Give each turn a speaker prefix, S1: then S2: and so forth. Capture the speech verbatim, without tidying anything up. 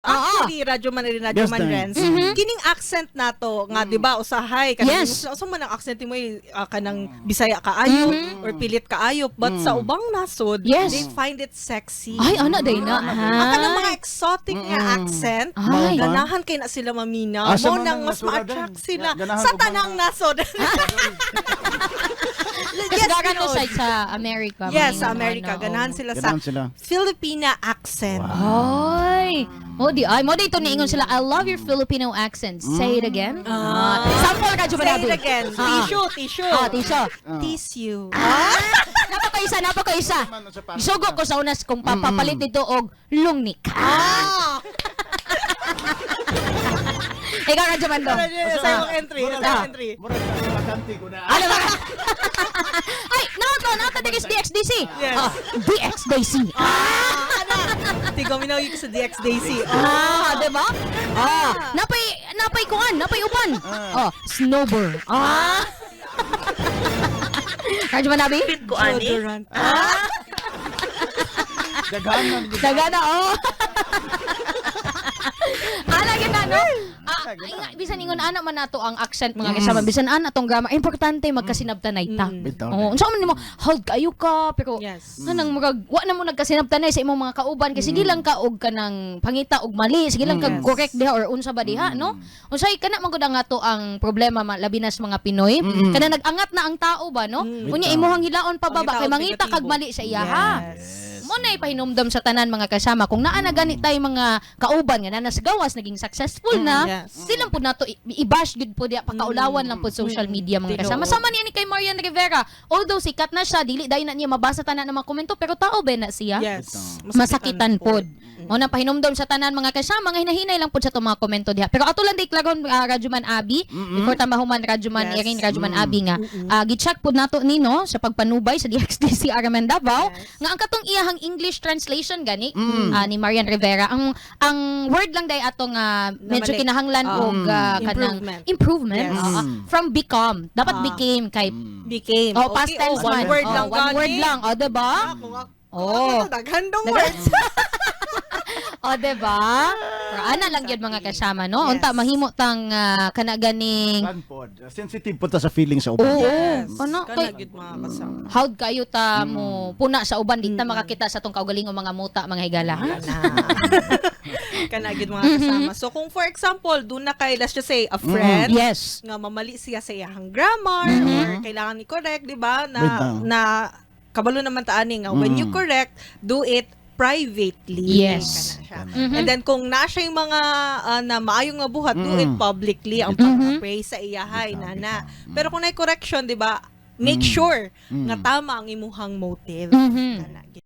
S1: Actually, radyo man rin radyo
S2: Yes,
S1: man
S2: dahil.
S1: Renz.
S3: Mhm.
S1: Kining accent nato nga, di ba, usahay. Kanang,
S3: Yes.
S1: So man ang accent mo uh, kanang Bisaya kaayo
S3: Mhm.
S1: or pilit kaayo. But sa ubang nasod,
S3: Yes.
S1: they find it sexy.
S3: Ay, ano day na?
S1: Ang kanang mga
S3: Ay.
S1: exotic nga
S2: Mm-mm.
S1: accent,
S3: Ay.
S1: ganahan kay na sila mamina.
S2: Ah, sa
S1: Mo
S2: mga
S1: nang mas
S2: nasuradan.
S1: ma-attract sila
S2: Ganahan
S1: sa
S2: og mga-
S1: tanang nasod.
S3: Kasi gagan to
S1: Pinoy.
S3: siya sa America.
S1: Yes,
S3: mga
S1: sa
S3: ano,
S1: America.
S3: ano,
S1: Ganahan
S3: oo.
S1: sila sa
S2: Ganahan sila.
S1: Filipina accent.
S3: Ay. Mo di ay mo dito niingon sila, I love your Filipino accent. Say it again.
S1: Ah.
S3: Sample ka
S1: Say
S3: Jumanabi.
S1: it again.
S3: Ah.
S1: Tissue, tissue.
S3: Ah, tisyo.
S1: Tissue.
S3: Napa ko isa, napa ko isa. Isugo ko sa unas kung papapalit dito og lungnik.
S1: Ah!
S3: Ikaw ka Jumando.
S1: Sa imong entry. Sa imong entry.
S2: Murag sa makanti ko na.
S3: Ano ba? Ay, nato, nato D X D X D C.
S1: Yes.
S3: Ah, D X D C.
S1: Ah, ano? Tigaw minawag ko sa D X Daisy.
S3: Ah, di ba? Ah, napay napay kuan, napay uban. Oh, snowbird. Ah. Kadyo man nabi?
S4: ko ani.
S1: Deodorant.
S3: Ah,
S2: Daghanan.
S3: dagana oh. Ana gid no? Ah, ay, nga, bisan ingon ana man nato ang accent mga kasama, bisan ana tong grammar, importante magkasinabtanay ta.
S2: Bitaw.
S3: Oh, unsa man nimo hold kayo ka pero
S1: Yes.
S3: kanang murag wa na mo nagkasinabtanay sa imong mga kauban kasi sige lang ka og kanang pangita og mali, sige lang ka
S1: Yes.
S3: correct diha or unsa ba diha, no? Unsay kana man gud ang ato ang problema ma- labi na sa mga Pinoy, kana nag-angat na ang tao ba, no? Unya
S2: Bitaw.
S3: imuhang hilaon pa ba
S1: Pangita
S3: kay
S1: og
S3: mangita kag
S1: negatibo.
S3: mali sa iya ha.
S1: Yes.
S3: Mo na ipahinumdom sa tanan mga kasama kung naa na gani tay mga kauban nga nanas gawas naging successful na,
S1: yes.
S3: silang pud nato i- i-bash gud po diya pakaulawan lang po social media mga kasama.
S1: Tinuod.
S3: Sama niya ni kay Marian Rivera. Although sikat na siya, dili dai na niya mabasa tanan ng mga komento pero tao ba na siya?
S1: Yes.
S3: Masakitan pod. Mo na pahinumdom sa tanan mga kasama nga hinahinay lang pod sa itong mga komento diha. Pero ato lang di klagon uh, Radyoman Abi, before ta mahuman Radyoman
S1: Yes.
S3: Iring Radyoman Abi nga. Uh, gi-check pod nato nino sa pagpanubay sa D X D C Araman Davao
S1: Yes.
S3: nga ang katong iyahang English translation gani ah, ni Marian Rivera. Ang ang word lang day ato nga medyo
S1: mali.
S3: kinahanglan
S1: Ah.
S3: og ah, kanang
S1: Improvement.
S3: improvement
S1: Yes.
S3: ah, ah, from become. Dapat
S1: Ah.
S3: became kay
S1: Became.
S3: oh past
S1: Okay,
S3: tense
S1: oh, one
S3: man.
S1: word
S3: Oh,
S1: lang.
S3: one word
S1: gani.
S3: lang, oh, 'di ba?
S1: Ah, kung ako-
S3: Oh.
S1: kung ako, daghan dong
S3: Daga-
S1: words.
S3: O, diba? Pero ana lang yun mga kasama, no?
S1: Yes.
S3: Unta, mahimo tang uh, kanaganing
S2: Tanpod. Sensitive po ta sa feeling sa uban.
S3: Oo.
S1: Yes.
S3: Ano?
S1: Kana
S3: Kay-
S1: gid mga kasama.
S3: howd kayo ta mo puna sa uban, di ta makakita sa tong kaugalingong mga muta, mga higala. Ha?
S1: Kana gid mga kasama. So kung for example, doon na kay let's just say a friend
S3: Yes.
S1: nga mamali siya sa iyang grammar or kailangan ni correct, di ba? Na
S2: Bitaw.
S1: na kabalo naman ta ani nga when you correct, do it privately.
S3: Yes.
S1: Kana siya. And then kung na siya yung mga ah, na maayong nga buhat, do it publicly ang pag-praise sa iyahay nana. Pero kung na correction, di ba? Make sure nga tama ang imuhang motive.
S3: Mhm.
S1: Kana.